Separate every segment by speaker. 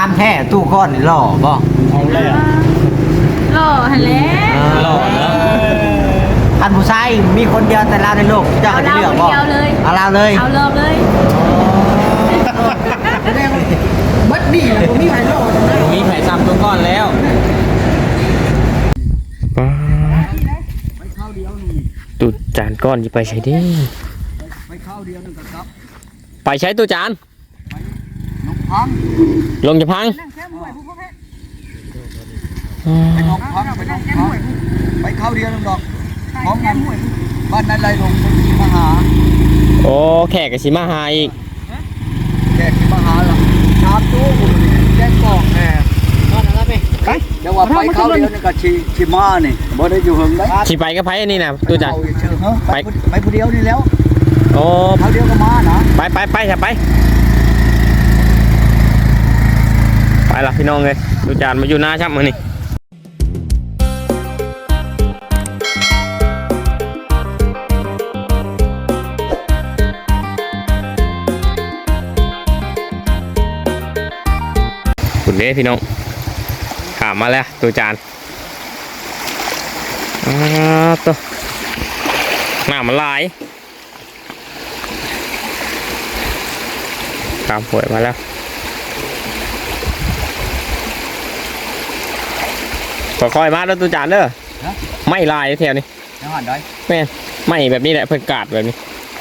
Speaker 1: ามแท้ตู้ก้อนนี่หล่อบ่
Speaker 2: เอาเลยอ่ะ
Speaker 3: หล่อหันแล้ว
Speaker 2: หล่อเนาะ
Speaker 1: ท่านผู้ชายมีคนเดียวแต่ลาวในโลกเจ้าก็จะเลือกบ่
Speaker 3: เอาเลย
Speaker 1: เอาลาวเลย
Speaker 3: เอาเริ่มเลย
Speaker 4: บัดดี้แล้วบ่มีไผรอดนะ
Speaker 2: มีไผ่ซ้ำตัวก้อนแล้ว
Speaker 5: ตูจานก้อนจะไปใช้ดิ
Speaker 4: ไปเข้าเดียวนึงก็กลับ
Speaker 5: ไปใช้ตูจาน
Speaker 4: น้องพัง
Speaker 5: ลงจะพัง
Speaker 4: ไปน้องพังไปน้องพังไปเข้าเดียวนึงดอกพร้อมกันบ้านนั้นไรลงมาหา
Speaker 5: โอ้แขกกับชิมาหาอีก
Speaker 4: แขกที่มาหาล่ะชาบตู้แจ้งกอกแน่ไปแต่ว่าไปเข้าเดียวนึงก็ชิมานี่บ่ได้อยู่เฮิงได้
Speaker 5: ชิไปก็ไปอันนี้นะตูจาน
Speaker 4: ไปผู้เดียวนี่แล้ว
Speaker 5: โอ้
Speaker 4: เข้าเดียวก็มานะ
Speaker 5: ไปจะไปละพี่น้องเลยตูจานมาอยู่หน้าช่ำมือนี่คุณเด้พี่น้องถามมาแล้วตูจานตัวหน้ามันลายตามป่วยมาแล้วค่อยๆมาแล้วตูจานเด้อไม่ลายแถวนี้
Speaker 4: ยังหันได้
Speaker 5: แม่นไม่แบบนี้แหละเพิ่งกาดแบบนี้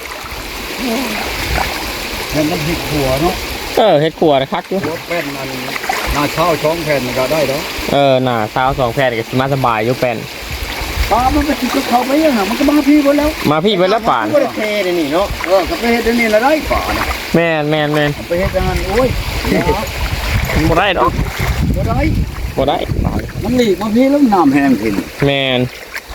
Speaker 4: มันผิดหัวเนาะ
Speaker 5: เฮ็ดขัวนะคักอยู่
Speaker 4: หัวแป้นมันหน้าเช่าช่องแผ่นก็ได้เนาะ
Speaker 5: หน้าสาว2แผ่นก็สิมาสบายอยู่แป้น
Speaker 4: ปลามันไปติดกับเขาไปยังไงมันก็มาพี่หมดแล้ว
Speaker 5: มาพี่เบิ่แล้วป่าน
Speaker 4: ก็ได้เทนี่เนาะก็ไปเฮ็ดนี่ละได้ป่าน
Speaker 5: แม่น
Speaker 4: ไปเฮ็ดงานโอ้ย
Speaker 5: บ่ได้ดอก
Speaker 4: บ่ได้
Speaker 5: บ่ได้
Speaker 4: มันหลีกมาพี่แล้วน้ำแห้งขึ้น
Speaker 5: แม่น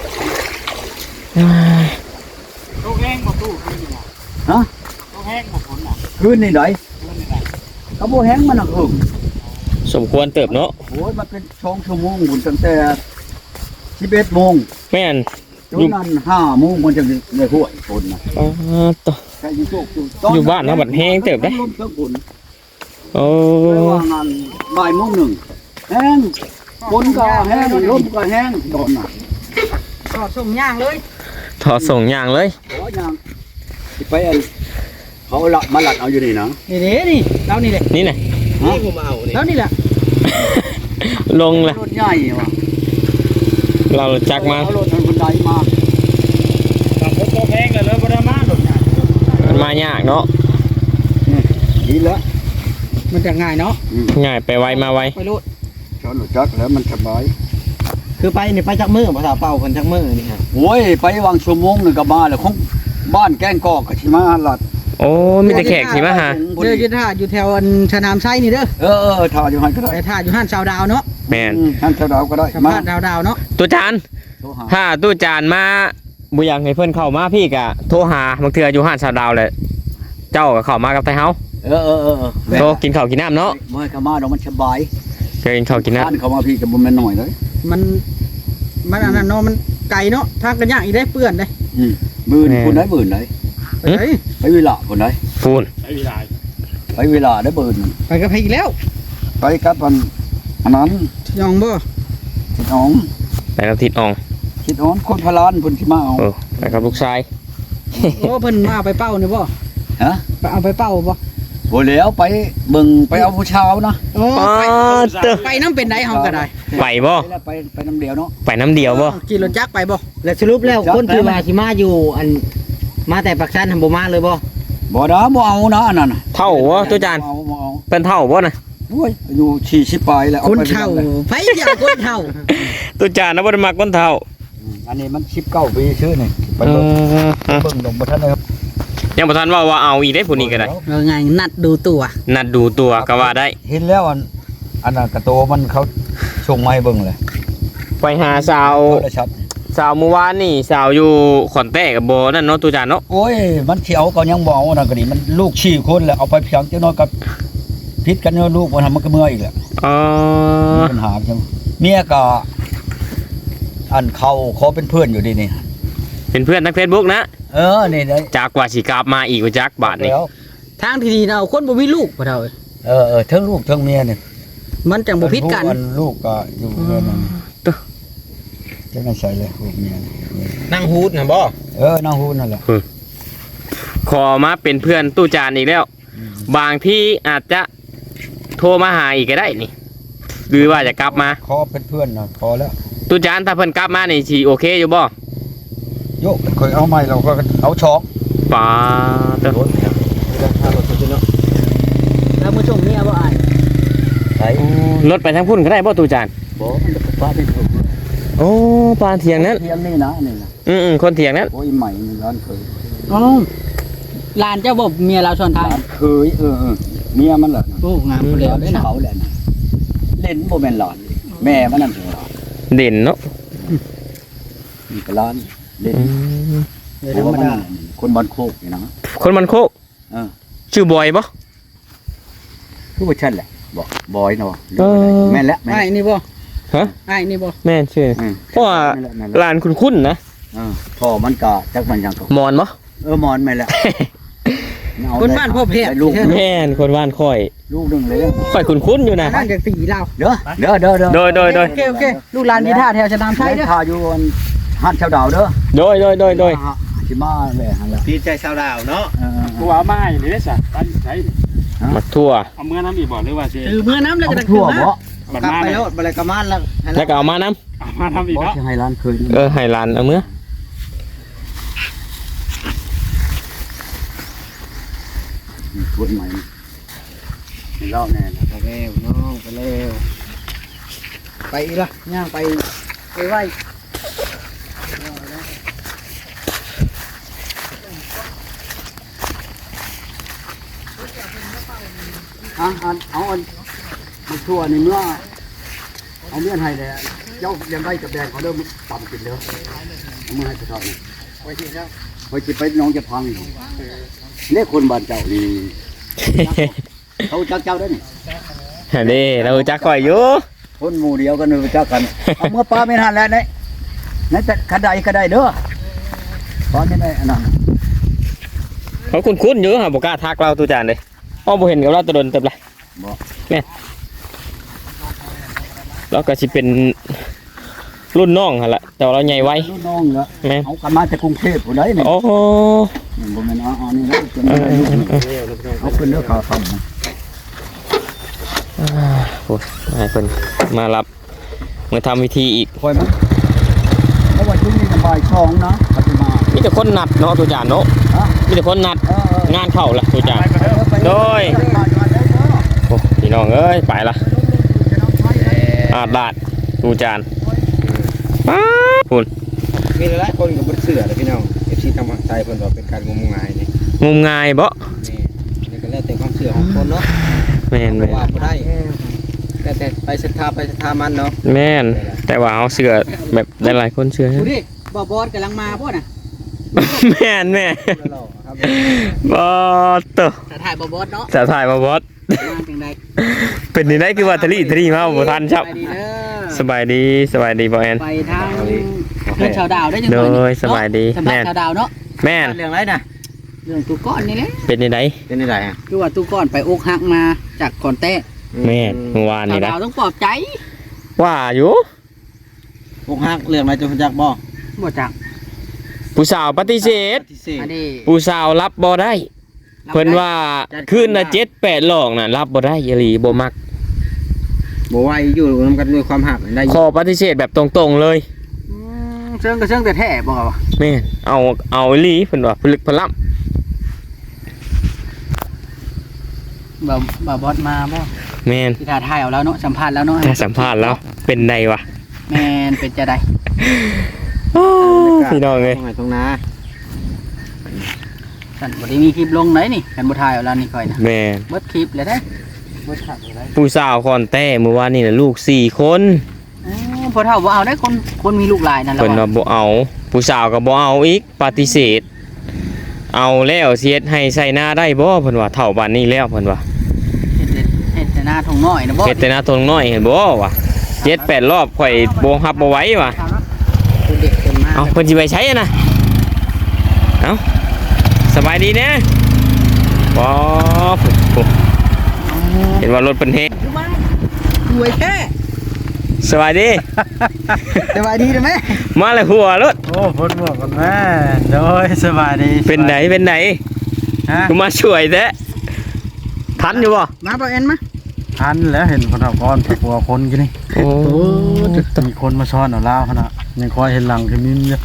Speaker 2: ลูกแห้งบ่ตู้คืนนี่
Speaker 4: ฮะ
Speaker 2: ลูกแห้งบ่ฝนน่ะ
Speaker 4: คืนนี่ได้เขาบ่แห้งมันน่ะหึง
Speaker 5: สมควรเติบเนาะ
Speaker 4: โอ้ยมันเป็น2ชั่วโมงบุญตั้งแต่11โมง
Speaker 5: แม่น
Speaker 4: จนนั้น5โมงมันจะได้ห้วยฝนน่ะ
Speaker 5: ตัว
Speaker 4: แค่อยู่โชค
Speaker 5: อยู่บ้านนะบัดแห้งเติบได้
Speaker 4: ลมเติบฝน
Speaker 5: โอ้
Speaker 4: ไม่ว่างานบ่ายโมงหนึ่งแห้งฝนก็แห้งลมก็แห้งโดนน่ะ
Speaker 1: ก็ส่งย่างเลย
Speaker 5: ถอดส่งอย่างเลย
Speaker 4: โอ้ยยังสิไปอันเขาละมาหลัดเอาอยู่นี่นะ
Speaker 1: นี่เด้นี่เรานี่เลย
Speaker 5: นี่น่ะ
Speaker 4: นี่
Speaker 2: ผมเอานี่
Speaker 1: แล้วนี่แหละ
Speaker 5: ลงเลย
Speaker 4: รถใหญ่ว่ะ
Speaker 5: เราจักมา
Speaker 4: เอรถทางบันไดมา
Speaker 2: ตามพวกแห้งเลยบ่ได้มาดอกเนี่ย
Speaker 5: มันมายากเนาะ
Speaker 4: ดีแล้ว
Speaker 1: มันจะง่ายเนาะ
Speaker 5: ง่ายไปไวมาไว
Speaker 1: ไปรูด
Speaker 4: ชอนรถจักรแล้วมันสบาย
Speaker 1: คือไปนี่ไปจักมือภาษาเป่าคนจักมือนี่ฮะ
Speaker 4: โอ้ยไปวางชั่วโมงหนึ่งก็มาแล้วของบ้านแกงกอกกับชิมาหลัด
Speaker 5: โอ้มีแต่แขกสิมาหา
Speaker 1: เด้อจะท่าอยู่แถวอันชะนามไซนี่เด้อ
Speaker 4: ถ่ายอยู่ให้ก็ได้
Speaker 1: ไปท่าอยู่ห้านชาวดาวเนาะ
Speaker 5: แม่น
Speaker 4: ท่านเจ้าดาวก็ได้
Speaker 1: สัม
Speaker 4: มา
Speaker 1: ภาษณ์ดาวเนาะ
Speaker 5: ตัวจาน
Speaker 4: โทรหา
Speaker 5: ถ้าตู้จานมาบุอยากให้เพื่อนเข้ามาพี่กะโทรหาบางเทื่ออยู่ห้านชาวดาวเลยเจ้าก็เข้ามากับไทเฮาโทรกินข้าวกินน้ำเนาะ
Speaker 4: เมื่อเขามาเรามันสบาย
Speaker 5: เคยกินข้าวกินน้
Speaker 4: ท่านเขามาพี่กับบุญแม่นหน่อยเลย
Speaker 1: มันอันนั้นเนาะมันไก่เนาะทางกันยากอีกได้เปื้อนได้
Speaker 4: หมื่นคนได้หมื่นเลย
Speaker 1: ไปไหน
Speaker 4: ไปเวลาคนได้
Speaker 5: ำฟูน
Speaker 2: ใช้เวลา
Speaker 4: ไปเวลาได้หมื่น
Speaker 1: ไปกับใครอีกแล้ว
Speaker 4: ไปกับอันนั้น
Speaker 1: ยองบ่
Speaker 4: ทิดน้อง
Speaker 5: ไปกับทิดออง
Speaker 4: ทิดน้องคนพลานคนที่มาเอา
Speaker 5: ไปกับลูกชาย
Speaker 1: โอ้เพิ่นมาเอาไปเป้านี่บ่
Speaker 4: ฮะ
Speaker 1: ไปเอาไปเป้าบ่
Speaker 4: โบแล้วไปเบิ่งไปเอาผู้เช้านะ
Speaker 1: โอ้
Speaker 5: ป้า
Speaker 1: ไป
Speaker 5: เตอ
Speaker 1: ไปน้ำเป็นไดเฮาก็ได้
Speaker 5: ไปบ่
Speaker 4: ไปน้ำเดียวเนาะ
Speaker 5: ไปน้ำเดียวบ่
Speaker 1: ขี่รถจักรไปบ่
Speaker 6: แล้วสรุปแล้วคนที่ว่าสิมาอยู่อันมาแต่ปักชันทำบ่มาเลยบ่
Speaker 4: บ่ดาบ่เอานะอันนั้นน่ะ
Speaker 5: เท่าบ่ตู้จาน
Speaker 4: บ่เอา
Speaker 5: เป็นเท่าบ่นะ
Speaker 4: โอ้ยอยู่40ปลายแล้ว
Speaker 1: คนเฒ่าไผอยากคนเฒ่า
Speaker 5: ตู้จานนะบ่ได้มักคนเท่า
Speaker 4: อันนี้มัน19ปีชื่อนี่ไป
Speaker 5: เอ
Speaker 4: เบิ่ง
Speaker 5: อ
Speaker 4: ลงบ่ทันเลยครับ
Speaker 5: ยังบ่ทันว่าเอาอีกได้ผู้นี้ก็ได้
Speaker 1: ไงนัดดูตัว
Speaker 5: นัดดูตัวก็ว่าได้
Speaker 4: เห็นแล้วอันนั้นกระโตมันเขาส่งมาให้เบิ่งเลย
Speaker 5: ไปหาสาว
Speaker 4: โทรศัพท์
Speaker 5: สาวเมื่อวานนี่สาวอยู่ขอนแต้กับโบนั่นเนาะตู้จานเนาะ
Speaker 4: โอ้ยมันสิเอาก็ยังบ่เอานั่นก็ดีมันลูก4คนแล้วเอาไปเพียงจังน้อยก็พิษกันเนาะลูกบ่ทำมันก็เมื่อยอีกแหละ
Speaker 5: อ๋อ
Speaker 4: มีปัญหาจังเมียก็อันเขาขอเป็นเพื่อนอยู่ดีนี่
Speaker 5: เป็นเพื่อนทาง Facebook นะ
Speaker 4: นี่ได้
Speaker 5: จากกว่าสิกลับมาอีกว่าจักบาทนี่
Speaker 4: แล้ว
Speaker 1: ทางที่ดีนะเอาคนบ่มีลูกบ่เฒ่า
Speaker 4: ทั้งลูกทั้งเมียเนี่ย
Speaker 1: มันจังบ่ผิดกัน
Speaker 4: ลูกก็อยู่เพื่อนนั่นจะไม่ใช่เลยลูกเมีย
Speaker 6: นั่งฮูดนะบ่
Speaker 4: น้องฮู้นั่นแหละ
Speaker 5: ขอมาเป็นเพื่อนตู้จานอีกแล้ว บางที่อาจจะโทรมาหาอีกก็ได้นี่ หรือว่าจะกลับมา
Speaker 4: ขอเป็นเพื่อนนะพอแล้ว
Speaker 5: ตู้จานถ้าเพิ่นกลับมานี่สิโอเคอยู่บ่
Speaker 4: โยกเคยเอาไม้เราก็เอาช็อก
Speaker 5: ป้าเด้อ
Speaker 4: รถเนี่ยถ้ารถตัวเนาะ
Speaker 1: แล้วมื้อชมเมียบ่อาย
Speaker 4: ใส่
Speaker 5: รถไปทางพุ่นก็ได้บ่ตู้จาน
Speaker 4: บ่มันจะป้าเป็นถูก
Speaker 5: โอ้ปานเถียงนั้น
Speaker 4: เทียมนี่นะนี่นะ
Speaker 5: คนเถียงนั้น
Speaker 4: โอ้ยใหม่นี่ร้านเคย
Speaker 1: อ๋อหลานเจ้าบ่เมียเราชวนทาง
Speaker 4: ร้านเคยเมียมันแหละ
Speaker 1: โอ้งามเปลี่ยวได้นะ
Speaker 4: เขาแหละนะเล่นโมเมนหลอนแม่มันนั่นถึงหลอน
Speaker 5: เด่นเนาะ
Speaker 4: มีกร้านเล่น
Speaker 1: เดี๋ยวธรรมดา
Speaker 4: คนบ้านโคกนี่นะ
Speaker 5: คนมันโคก
Speaker 4: เออ
Speaker 5: ชื่อบอยบ่
Speaker 4: คือว่าฉันแหละบอกบอยเนาะ
Speaker 5: เออ
Speaker 4: แม่นแล้วแม่
Speaker 1: อ้ายนี่บ่
Speaker 5: ฮะ
Speaker 1: อ้ายนี่บ่
Speaker 5: แม่นชื่อ เพราะว่า ลานคุ้นๆนะ
Speaker 4: พ่อมันก็จักมันยังก็
Speaker 5: มอนบ่
Speaker 4: มอนแม่นแล้ว
Speaker 1: คนบ้านพ่อเพชร
Speaker 4: ได้ลูก
Speaker 5: แม่นคนบ้านค่อย
Speaker 4: ลูกหนึงเลย
Speaker 5: ค่อยคุ้นๆอยู่นะ
Speaker 1: นั่นจากตีเรา
Speaker 4: เด้อ
Speaker 5: โดย
Speaker 1: โอเคลูกหลานมีท่าแถวชะนามไทยเด้อ
Speaker 4: ท่าอยู่หันชาวดาวเด้อ
Speaker 5: โดย
Speaker 4: สิมาแม่หั่นล่ะ
Speaker 6: พี่ใจชาวดาวเนาะ
Speaker 2: กูเอามาให้นี่ได้ซะบ้านไส
Speaker 5: มาทั่ว
Speaker 2: เอาเมื่อน้ำอีกบ่หรือว่าสิ
Speaker 1: ถือมือน้ำแล้วก็
Speaker 4: เอา
Speaker 1: จะ
Speaker 4: ทั่ว
Speaker 1: ขึ้น
Speaker 4: บ่
Speaker 1: มาก
Speaker 2: ลับ
Speaker 1: ไป
Speaker 2: มา
Speaker 1: แล้วบ่เลยกะมานแล้ว
Speaker 5: แล้วก็เอามาน้
Speaker 2: เอามาทำอีก
Speaker 4: บ่
Speaker 2: เนาะ
Speaker 4: สิให้ร้านเคย
Speaker 5: ำให้หลานเอาเมื่อ
Speaker 4: ทุนใหม่นี่รอบแน่นะ
Speaker 1: ไปแล้วน้องไปแล้วไปอีกละย่างไปไว้
Speaker 4: เอามันทั่วนี่เมื่อเอาเมื่อให้เลยเจ้ายังได้กับแดงเขาเริ่มต่ำกินเด้อเอามื่อให้กระทอนไว้ที่เจ้าไว้จิไปน้องจะพังเนี่ยคนบ้านเจ้านี่เขาจักเจ้าได้นี่
Speaker 5: นี่เราจักค่อยอยู่
Speaker 4: คนหมู่เดียวกันรู้จักกันเอาเมื่อป้าไม่ทันแล้วเนี่ยนั่นแต่ขันใดก็ได้เด้อตอนนี้ได้อันนั้น
Speaker 5: เขาคุ้นๆอยู่ฮะบ่กล้าทักเราตู้จานเลยอ้อบ่เห็นกับเราแตะดนเต็มเลย
Speaker 4: บ่
Speaker 5: เราก็สิเป็นรุ่นน้องหั่นล่ะแต่ว่าเราใหญ่ไว
Speaker 4: ลูกน้องเหรอ
Speaker 5: แม่น
Speaker 4: เอากันมาจากกรุงเทพผู้ใดนี่
Speaker 5: โอ้โห
Speaker 4: บ่แม่นเอานี่แล้วจนได้ลูกเอาขึ้นเด้อขาคำ
Speaker 5: โอ้ยให้เพิ่นมารับมาทำพิธีอีก
Speaker 4: คอยมั้ยเพราะว่าช่วงนี้บ่าย2นะปฏิมา
Speaker 5: มีแต่คนนัดเนาะตู้จานเนาะ
Speaker 4: ฮะ
Speaker 5: มีแต่คนนัดงานเข้าละตู้จาน
Speaker 2: ไปก็เด้อ
Speaker 5: โดย โอ้พี่น้องเอ้ยไปละอาดลาดตู้จานป๊าบคุณ
Speaker 6: มีหลายคนกับบนเสือเลยพี่น้อง FC ทางใจเพิ่นว่าเป็นการงมงายนี่
Speaker 5: งมงายบ่
Speaker 6: นี่ก็แล้วแต่ความเชื่อของคนเนาะ
Speaker 5: แม่น
Speaker 6: ว่าบ่ได้แต่ไปศรัทธามันเนาะ
Speaker 5: แม่นแต่ว่าเอาเสือแบบหลายๆคนเชื่อ
Speaker 1: ดูดิบ่บอสกำลังมาพ่อน่ะ
Speaker 5: แม่นแม่
Speaker 6: ครับ
Speaker 5: บอสตัว
Speaker 1: จะถ่ายบ่บอสเนาะ
Speaker 5: จะถ่ายมาบอส
Speaker 1: มาจังได๋
Speaker 5: เป็นนี่ได้คือว่าทะลีมาบ่ทันครับ
Speaker 1: ไปดีเด้อ
Speaker 5: สบายดีบ่แอน
Speaker 1: ไปทางเพื่อนชาวดาวได้จัง
Speaker 5: โด
Speaker 1: หน่อย
Speaker 5: ยสบายดี
Speaker 1: สำหรับชาวดาวเนาะ
Speaker 5: แม่น
Speaker 6: เรื่องไรนะ
Speaker 1: เรื่องตู้ก้อนนี่แหละ
Speaker 5: เป็นนี่ได้
Speaker 6: เป็นอะไรอ่ะ
Speaker 1: คือว่าตู้ก้อนไปอกหักมาจากก่อนแต้
Speaker 5: แม่นเมื่อวาน
Speaker 1: ชา
Speaker 5: นี่
Speaker 1: ว
Speaker 5: นะ
Speaker 1: ดาวต้องปลอบใจ
Speaker 5: ว่าอยู่
Speaker 6: พวกฮักเรื่องอะไรจะจักบ่
Speaker 1: บ่จัก
Speaker 5: ผู้สาวปฏิเสธ
Speaker 6: ที่เส
Speaker 1: อันนี้
Speaker 5: ผู้สาวรับบ่ได้เพิ่นว่าคืนละ7-8หลอกน่ะรับบ่ได้อีหลีบ่มัก
Speaker 6: บ่ไหวอยู่นำกันด้วยความหักได้
Speaker 5: ขอปฏิเสธแบบตรงๆเลย
Speaker 1: เชิงก็เชิงแต่แท้บ่ว่า
Speaker 5: แม่นเอาอีหลีเพิ่นว่าผลึกพลัม
Speaker 1: บ่บอสมาบ่
Speaker 5: แม่น
Speaker 1: ที่ถ่ายเอาแล้วเนาะสัมภาษณ์แล้วเนาะ
Speaker 5: ถ้าสัมภาษณ์แล้วเป็นไดวะ
Speaker 1: แม่นเป็นจะได้
Speaker 5: พี่น้องเอ้ย
Speaker 6: ตรงนา
Speaker 1: ฉันบ่ได้มีคลิปลงไหนนี่กันบ่ถ่ายเอาแล้วนี่ค่อยนะ
Speaker 5: แม่น
Speaker 1: เบิดคลิปเลยได้เบิดขับเลยได้
Speaker 5: ผู้สาวคอนแต้เมื่อวานนี่น่ะลูก4คน
Speaker 1: พอเท่าบ่เอาได้คนมีลูกหลายนั่นแหละ
Speaker 5: เพิ่นว่าบ่เอาผู้สาวก็บ่เอาอีกปฏิเสธ เอาแล้วเสียดให้ใส่หน้าได้บ่เพิ่นว่าเฒ่าปานนี้แล้วเพิ่นว่า
Speaker 1: เฮ็ดแต่หน้าทงน้อยนะบ่
Speaker 5: เฮ็ดแต่หน้าทนน้อยเห็นบ่วะ7-8 รอบข่อยบ่รับบ่ไหวว่ะ
Speaker 1: คุณเด็กเต็มมาก
Speaker 5: เอาเพิ่นสิไปใช้อะนะเอาสบายดีนะบ่เห็นว่ารถเพิ่นเฮ็ด
Speaker 1: รวยแท้
Speaker 5: สวัสดี
Speaker 1: สบายดีนะแม่
Speaker 5: มาเลยหัวรถ
Speaker 2: โอ้พ้นหมวกกันแม่โดยสบายดี
Speaker 5: เป็นไหน
Speaker 2: ฮะ
Speaker 5: กูมาช่วยแท้ทันอยู่บ่
Speaker 1: มาบ่แอนมา
Speaker 2: ทันแล้วเห็นคนเอาก้อนผักบัวคนกันนี่
Speaker 5: โอ้
Speaker 2: มีคนมาช้อนเอาเหล้าขนาดยังคอยเห็นหลังคือมิ้มเยอะ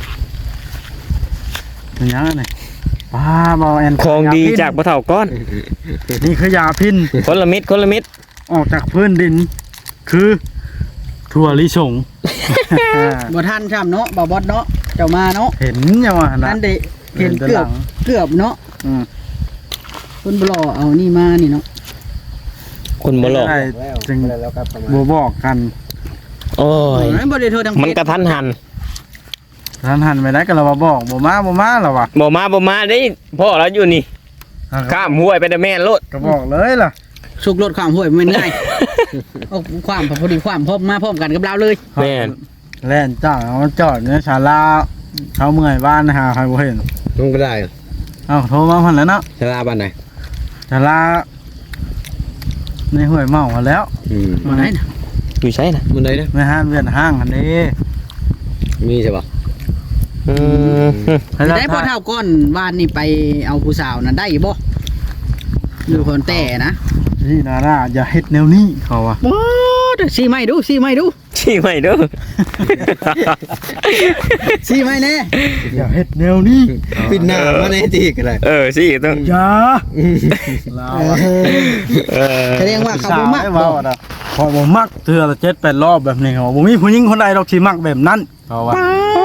Speaker 2: เป็นยังไงป้าบอแอน
Speaker 5: ของดีจากบ่เฒ่าก้อน
Speaker 2: นี่คือยาพิน
Speaker 5: คนละมิด
Speaker 2: ออกจากพื้นดิน คือถั่วลิสง
Speaker 1: บ่ทันช้ำเนาะบ่บอสเนาะเจ้ามาเนาะ
Speaker 2: เห็นยังวะนะ
Speaker 1: นั่นเด้เห็นเกือบเนาะ
Speaker 2: อืม
Speaker 1: คนบ่รอเอานี่มานี่เนาะ
Speaker 5: คนบ่หลอก
Speaker 2: ได้จึงบัวบอกกัน
Speaker 5: โอ้ย
Speaker 1: บ่ได้โทรทาง
Speaker 5: มันกระทันหัน
Speaker 2: ท่านหันไปได้ก็เราบอกบัวมาหรอวะ
Speaker 5: บ่มาได้พ่อเราอยู่นี่ข้ามห้วยไปแต่แม่นโลด
Speaker 2: ก็บอกเลยล่ะ
Speaker 1: สุกรถความห้วยมันง่ายเอาความพอดีความพร้อมมาพร้อมกันกับเราเลย
Speaker 5: แม่น
Speaker 2: แล่นจ้าเอาจอดเนี่ยชาลาเขาเมื่อยบ้านหาใครบ่เห็น
Speaker 6: ลงก็ได้
Speaker 2: เอ้าโทรมาพันแล้วเนาะ
Speaker 6: ชลาบ้านไหน
Speaker 2: ชาลาในห้วยเมามาแล้ว
Speaker 1: มาไหนน่ะ
Speaker 5: อยู่ใช่น่ะ
Speaker 6: มันไหนนะ
Speaker 2: ในห้างเวียนห้างอันนี้
Speaker 6: มีใช่ป่ะ
Speaker 5: อืม
Speaker 2: ให้เรา
Speaker 1: ได้พ่อเท่าก้อนวานนี่ไปเอาผู้สาวน่ะได้บ่อยู่คนแต่นะ
Speaker 2: ที่นาราอย่าเฮ็ดแนวนี้เขาอะ
Speaker 1: โอ้ซีไม่ดู
Speaker 5: ชี้ไม่เด้อ
Speaker 1: ซีไม่แน่
Speaker 2: อย่าเฮ็ดแนวนี้
Speaker 6: ปิดหน้ามาในที่กันเลย
Speaker 5: สิต้อง
Speaker 2: อย่าลาวอะ
Speaker 1: แสดงว่าเขาบ่มัก
Speaker 2: สวให้เว้าอะพอบ่มักเทื่อละ7-8 รอบแบบนี้เขาบ่มีผู้หญิงคนใดดอกที่มักแบบนั้นเขาว่า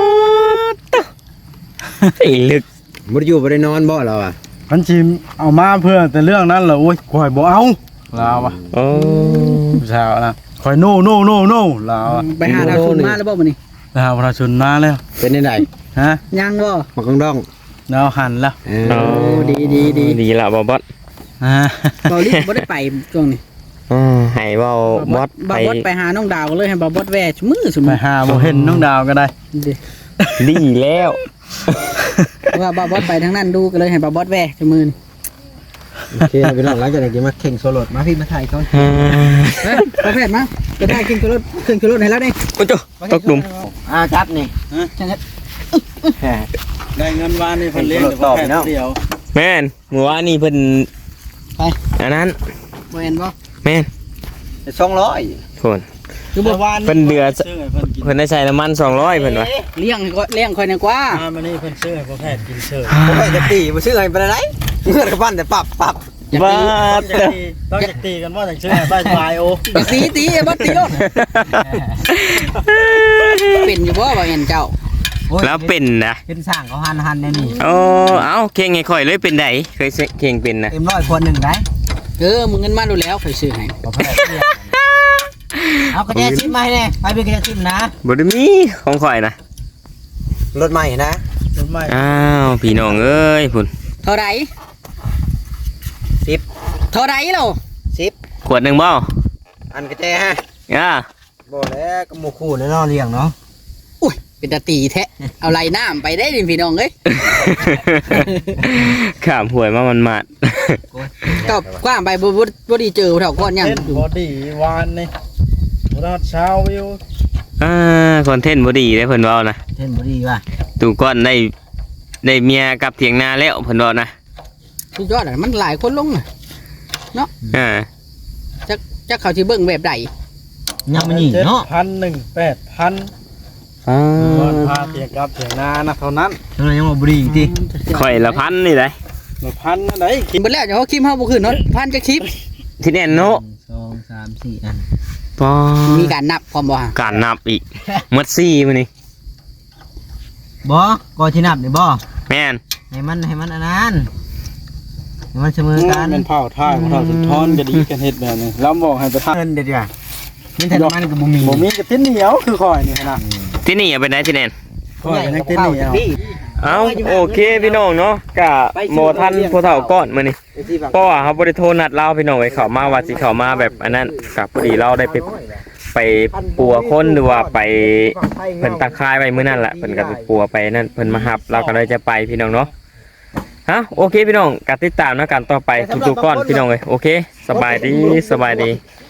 Speaker 5: ไอ้ลึก
Speaker 6: บ่ได้อยู่บ่ได้นอนบ่เราอ่ะ
Speaker 2: มันสิเอามาเพื่อแต่เรื่องนั้นเหรอโอ้ยข่อยบ่เอาลาวอะ
Speaker 5: โอ้
Speaker 2: ผู้สาวนะข่อยโนลาวอะ
Speaker 1: ไปหาดาวชุนมาแล้วบ่มื้อนี้
Speaker 2: ลาวประชาชนมาแล้ว
Speaker 6: เป็นได้ไหน
Speaker 2: ฮะ
Speaker 1: ยังบ่
Speaker 6: มากังดอง
Speaker 2: ดาวหันแล้ว
Speaker 5: โอ้ ดีละบ่บอส
Speaker 2: อ่า
Speaker 1: บ่รีบบ่ได้ไปช่วงนี้
Speaker 5: ให้เว้าบอส
Speaker 1: บ่
Speaker 5: ไป
Speaker 1: บอสไปหาน้องดาวเลยให้บ่บอสแว่ซุมื้อซุ
Speaker 2: ไป
Speaker 1: มื้อ
Speaker 2: หาบ่เห็นน้องดาวก็ได้
Speaker 1: ดิ
Speaker 5: ดีแล้ว
Speaker 1: ว่าบ่บอสไปทางนั้นดูก็เลยให้บ่บอสแว่ซุมื้อนี่
Speaker 6: โอเคพี่น้องหลังจากนี้มาเข่งโซโลดมาพี่มาถ่ายเขา
Speaker 1: เฮ้ยบ่แพทย์มาจะได้กินรถให้แล้วนี่
Speaker 5: โอ้โจตกหลุม
Speaker 6: จับนี่
Speaker 2: ได้เงินวานนี่เพิ่นเลี้ยงแต่ว่าแค่เดียว
Speaker 5: แม่นเมื่อวานนี่เพิ่น
Speaker 1: ไป
Speaker 5: อันนั้น
Speaker 1: บ่เห็นบ่
Speaker 5: แม่น
Speaker 6: 200
Speaker 5: โทน
Speaker 1: คือบ่
Speaker 2: วาน
Speaker 5: เพิ่นเดือด
Speaker 2: ซื้อให้เพิ่นกิน
Speaker 5: เพิ่นได้ใช้น้ำมัน200เพิ่นว่า
Speaker 1: เลี้ยงค่อยนี่กว่า
Speaker 2: มานี่เพิ่นซื้อให้พ่อแพทย์กินเชิญ
Speaker 6: บ่ไปจะตีบ่ซื้อให้ไปไหนเมื่อกับปั้นแต่ปับ
Speaker 5: บ้า
Speaker 2: ต้องจะตีกันว่าจังซื้อให้บ้านปลายโอ
Speaker 1: ตีบ่ตีโลดเป็นอยู่บ่บ่เห็นเจ้า
Speaker 5: แล้วเป็นนะ
Speaker 6: เป็นสร้างเขาหันแน่นี่
Speaker 5: โอ้เอ้าเข่งให้ข่อยเลยเป็นไดเคยเข่งเป็นนะ
Speaker 6: เต็ม100คน1ได้
Speaker 1: มึงเงินมาดูแล้วค่อยซื้อให้
Speaker 6: บ่แพ้เอากระแจชิมมาให้แน่ไปเป็นกระแจชิมนะ
Speaker 5: บ่ได้มีของข่อยนะ
Speaker 6: รถใหม่นะ
Speaker 2: รถใหม่
Speaker 5: อ้าวพี่น้องเอ้ยพุ่น
Speaker 1: เท่าไหร่
Speaker 6: 10
Speaker 1: เท่าไหร่เรา
Speaker 5: ขวดหนึงบ่
Speaker 6: อันกระแจฮะ
Speaker 5: อ่า
Speaker 6: บ่แล้วก็หมู่คู่แน่นอนเลี้ยงเนาะ
Speaker 1: อุ้ยเป็นตาตีแท้เอาไหลน้ำไปได้ดิพี่น้องเอ้ย
Speaker 5: ข้ามห่วยมามันมาด
Speaker 1: ก็กว้างไปบ่ดีเจอเท่าก้อนยัง
Speaker 2: เล่นบอดี้วานนี่รอดเช้าวิว
Speaker 5: คอนเทนต์บ่ดีเด้เพิ่นเว้านะ
Speaker 6: เห็นบ่ดีว่ะ
Speaker 5: ตู่ก้อนได้เมียกลับเถียงนาแล้วเพิ่นเว้านะ
Speaker 1: สุดยอดอ่ะมันหลายคนลงน่ะ
Speaker 5: อ่า
Speaker 1: จักเขาสิเบิ่งแบบใด
Speaker 6: ยังไม่หนีเนาะ
Speaker 2: 7,000
Speaker 5: อ๋อ
Speaker 2: ก่อนพาเถียงกับเถียงนานะเท่านั้น
Speaker 6: ตอนนั้นยังบ่ดีติ
Speaker 5: ข่อยละพันนี่ได้
Speaker 2: มาพันนั่นไหน
Speaker 1: กินเบิดแล้วเดี๋ยวเขาคิมเฮาบ่ขึ้นเนาะพันจักคลิป
Speaker 5: ที่แน่นโน
Speaker 6: 2 3 4อัน
Speaker 5: ปอ
Speaker 1: มีการนับพร้อมบ่ฮะ
Speaker 5: การนับอีกหมด4มื้อนี้
Speaker 6: บ่ก็ที่นับนี่บ่
Speaker 5: แม่น
Speaker 6: ให้มันอันนั้นให้มันเสมอกัน
Speaker 2: เป็นเผาท่ายของเราสุนทรก็ดีกันเฮ็ดแบบนี้แล้วบอกให้ไปทำ
Speaker 6: เงินเด็ดว่ะนี่แต่มันก็บ่มี
Speaker 2: บ่มีกับติ้นเหนียวคือคอยนี่นะ
Speaker 5: ที่นี่เอาไปไหนที่แน่น
Speaker 2: คอยยังติ้นเหนียว
Speaker 5: เอาโอเคพี่น้องเนาะกะโมทันผู้เฒ่าก้อนมื้อนี้เพราะว่าเฮาบ่ได้โทรนัดเราพี่น้องไว้เข้ามาว่าสิเข้ามาแบบอันนั้นกับพอดีเราได้ไปปัวคนหรือว่าไปเพิ่นตะคายไว้มื้อนั้นแหละเพิ่นก็ไปปัวไปนั่นเพิ่นมารับเราก็เลยจะไปพี่น้องเนาะฮะโอเคพี่น้องกติดตามนะกันต่อไปทุกๆก้อนพี่น้องเอ้ยโอเคสบายดี